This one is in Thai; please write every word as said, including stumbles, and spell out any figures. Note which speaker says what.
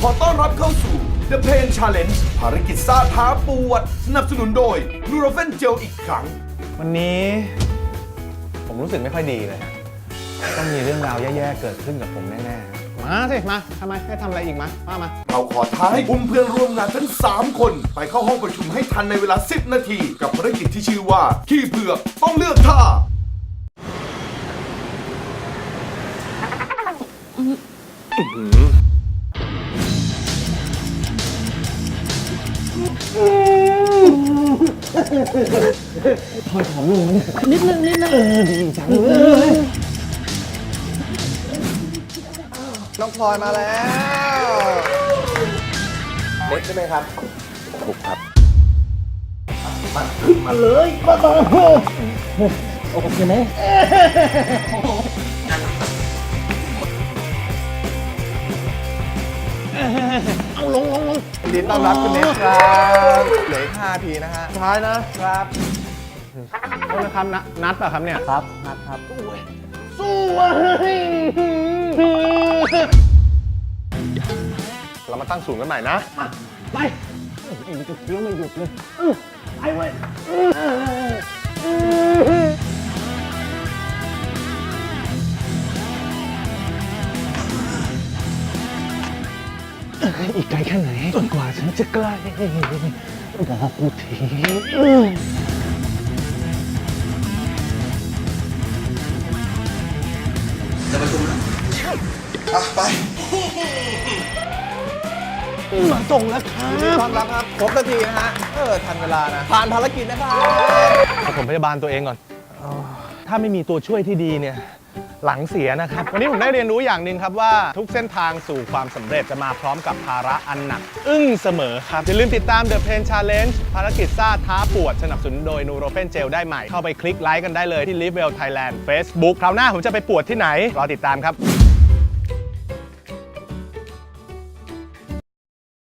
Speaker 1: อต้อนรับเข้าสู่ The Pain Challenge ภารกิจซ่าท้าปวดสนับสนุนโดย Nurofen Gel อีกครั้ง
Speaker 2: วันนี้ผมรู้สึกไม่ค่อยดีเลยต้องมีเรื่องราวแย่ๆเกิดขึ้นกับผมแน่ๆมาสิมาทำไมให้ทำอะไรอีกมาว่ามา
Speaker 1: เราขอท้าให้อุ้มเพื่อนร่วมงานทั้งสามคนไปเข้าห้องประชุมให้ทันในเวลาสิบนาทีกับภารกิจที่ชื่อว่าขี้เผือกต้องเลือกท่า
Speaker 3: ถอยผอมลงนิดนึงนิดนึงเออดีจังเลย
Speaker 2: น้องพลอยมาแล้วเล็กใช่ไหมครับถูกครับ
Speaker 3: มาขึ้นมาเลยมาต่อโอเคไหมเอาลงลงลง
Speaker 2: ยินดีต้อนรับคุณเนสครับเหลืออีกห้าทีนะฮะ
Speaker 3: ท้ายนะครับ
Speaker 2: โทษนะครับนัดป่ะครับเนี่ย
Speaker 3: ครับนัดครับสู้สู้
Speaker 2: เรามาตั้งศูนย์กันใหม่นะ
Speaker 3: ไปไอ้มันจะเคี้ยวไม่หยุดเลยไปเว้ยอีกไกลแค่ไหนจนกว่าฉันจะใกล้บอกกูที
Speaker 1: จะประชุมแล้วอ่ะไป
Speaker 3: มาส่งแล้วครับ
Speaker 2: ยินดีต้อนรับครับครบนาทีนะฮะเออทันเวลานะผ่านภารกิจนะครับเอาผมพยาบาลตัวเองก่อนถ้าไม่มีตัวช่วยที่ดีเนี่ยหลังเสียนะครับวันนี้ผมได้เรียนรู้อย่างหนึ่งครับว่าทุกเส้นทางสู่ความสำเร็จจะมาพร้อมกับภาระอันหนักอึ้งเสมอครับอย่าลืมติดตาม The Pain Challenge ภารกิจซ่าท้าปวดสนับสนุนโดย Nurofen Gel ได้ใหม่เข้าไปคลิกไลค์กันได้เลยที่ Live Well Thailand Facebook คราวหน้าผมจะไปปวดที่ไหนรอติดตามครับ